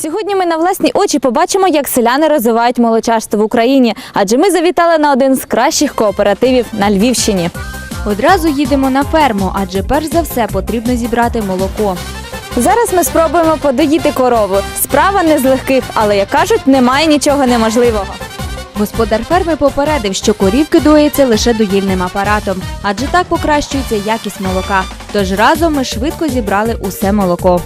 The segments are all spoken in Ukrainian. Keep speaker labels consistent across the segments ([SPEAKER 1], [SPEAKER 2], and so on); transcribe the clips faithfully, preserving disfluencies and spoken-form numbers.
[SPEAKER 1] Сьогодні ми на власні очі побачимо, як селяни розвивають молочарство в Україні, адже ми завітали на один з кращих кооперативів на Львівщині.
[SPEAKER 2] Одразу їдемо на ферму, адже перш за все потрібно зібрати молоко.
[SPEAKER 1] Зараз ми спробуємо подоїти корову. Справа не з легких, але, як кажуть, немає нічого неможливого.
[SPEAKER 2] Господар ферми попередив, що корівки доїться лише доїльним апаратом, адже так покращується якість молока. Тож разом ми швидко зібрали усе молоко.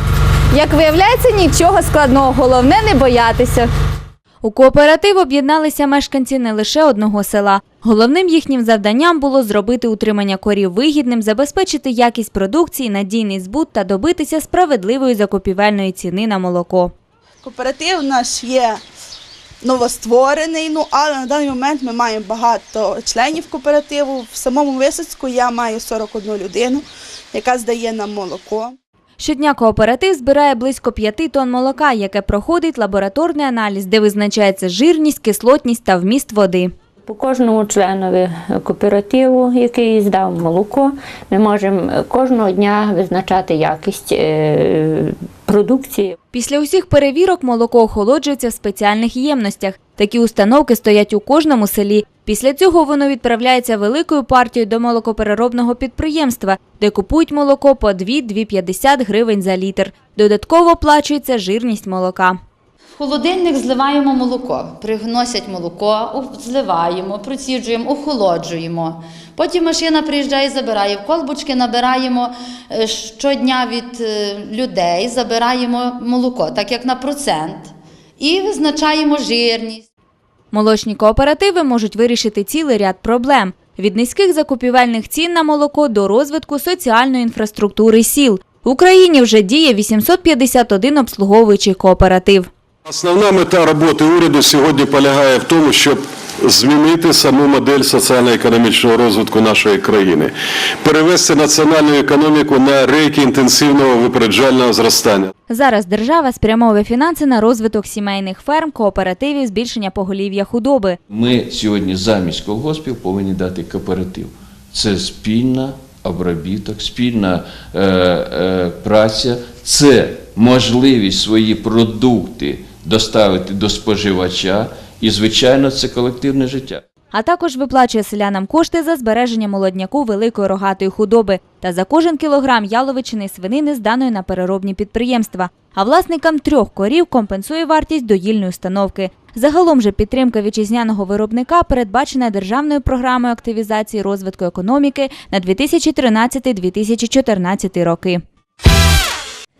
[SPEAKER 1] Як виявляється, нічого складного, головне не боятися.
[SPEAKER 2] У кооператив об'єдналися мешканці не лише одного села. Головним їхнім завданням було зробити утримання корів вигідним, забезпечити якість продукції, надійний збут та добитися справедливої закупівельної ціни на молоко.
[SPEAKER 3] Кооператив наш є новостворений, ну, але на даний момент ми маємо багато членів кооперативу. В самому Висоцьку я маю сорок одну людину, яка здає нам молоко.
[SPEAKER 2] Щодня кооператив збирає близько п'яти тонн молока, яке проходить лабораторний аналіз, де визначається жирність, кислотність та вміст води.
[SPEAKER 4] По кожному членові кооперативу, який здав молоко, ми можемо кожного дня визначати якість продукції.
[SPEAKER 2] Після усіх перевірок молоко охолоджується в спеціальних ємностях. Такі установки стоять у кожному селі. Після цього воно відправляється великою партією до молокопереробного підприємства, де купують молоко по дві-дві п'ятдесят гривень за літр. Додатково оплачується жирність молока.
[SPEAKER 5] В холодильник зливаємо молоко, приносять молоко, зливаємо, проціджуємо, охолоджуємо. Потім машина приїжджає і забирає. В колбочки набираємо щодня від людей, забираємо молоко, так як на процент, і визначаємо жирність.
[SPEAKER 2] Молочні кооперативи можуть вирішити цілий ряд проблем – від низьких закупівельних цін на молоко до розвитку соціальної інфраструктури сіл. В Україні вже діє вісімсот п'ятдесят один обслуговуючий кооператив.
[SPEAKER 6] Основна мета роботи уряду сьогодні полягає в тому, щоб змінити саму модель соціально-економічного розвитку нашої країни, перевести національну економіку на рейки інтенсивного випереджального зростання.
[SPEAKER 2] Зараз держава спрямовує фінанси на розвиток сімейних ферм, кооперативів, збільшення поголів'я худоби.
[SPEAKER 7] Ми сьогодні замість колгоспів повинні дати кооператив. Це спільна обробіток, спільна е, е, праця, це можливість свої продукти доставити до споживача і, звичайно, це колективне життя.
[SPEAKER 2] А також виплачує селянам кошти за збереження молодняку великої рогатої худоби та за кожен кілограм яловичини свинини, зданої на переробні підприємства. А власникам трьох корів компенсує вартість доїльної установки. Загалом же підтримка вітчизняного виробника передбачена державною програмою активізації розвитку економіки на дві тисячі тринадцятий - дві тисячі чотирнадцятий роки.